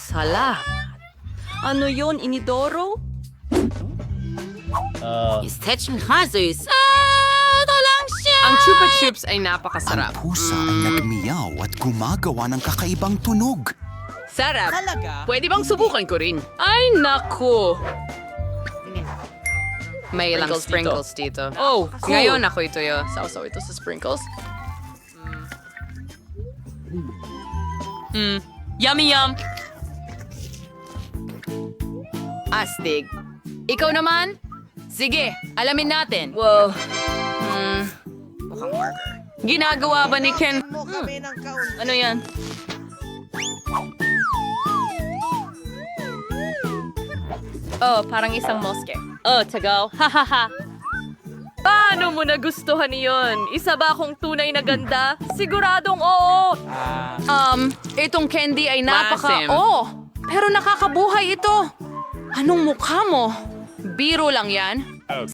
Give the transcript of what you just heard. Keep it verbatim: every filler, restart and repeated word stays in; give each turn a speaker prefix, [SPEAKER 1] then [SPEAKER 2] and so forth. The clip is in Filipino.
[SPEAKER 1] Salamat. Ano yon, Inidoro?
[SPEAKER 2] Istech ng hazes. Ah, ito lang siya!
[SPEAKER 1] Ang Chupa Chups ay napakasarap.
[SPEAKER 3] Ang pusa ay nagmiyaw at gumagawa ng kakaibang tunog.
[SPEAKER 1] Sarap. Pwede bang subukan ko rin? Ay, naku. May ilang sprinkles dito. Oh, ngayon ako ito yo. Sausaw ito sa sprinkles. Mm. Yummy yum. Astig. Ikaw naman? Sige, alamin natin. Wow. Hmm. Ginagawa ba ni Ken? Hmm. Ano yan? Oh, parang isang moske. Oh, tagaw. Hahaha. Paano mo nagustuhan iyon? Isa ba akong tunay na ganda? Siguradong oo. Um, itong candy ay napaka...
[SPEAKER 2] Masim.
[SPEAKER 1] Oh, pero nakakabuhay ito. Anong mukha mo? Biro lang yan.